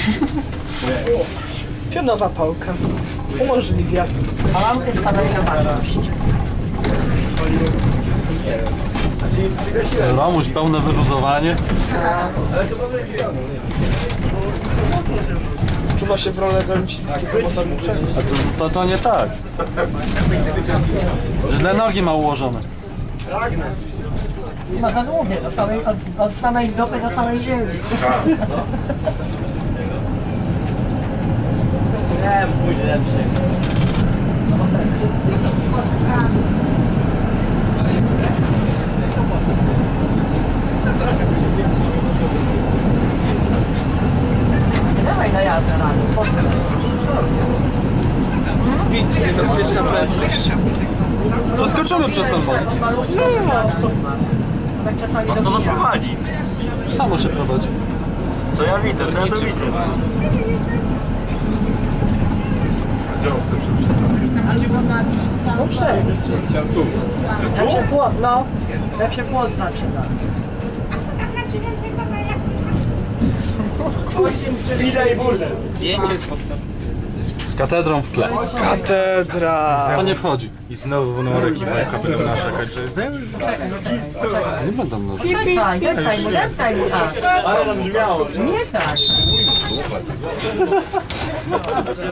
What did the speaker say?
Pionowa pałka. Umożliwia. A lampy spadają na baczność. Romuś, pełne wyluzowanie. Czuwa się w rolę Golęcińskiego motorniczego. A to nie tak. Źle nogi ma ułożone. Ma za długie, od samej dupy do samej ziemi. Nie, później lepszy. Nie dawaj na jazdę rano. Speed, niebezpieczna prędkość. Przeskoczymy przez ten most. Tak czasami do To bicia. prowadzi. Samo się prowadzi. Co ja widzę, co ja to widzę. No przejść. Jak się płot, no. Jak się płot zaczyna. Zdjęcie z Z katedrą w tle. Katedra. To nie wchodzi. I znowu numerek Iwonka będą narzekać, że Nie będą nogi. Deptaj mu tak. Ale tam brzmiało. Nie tak.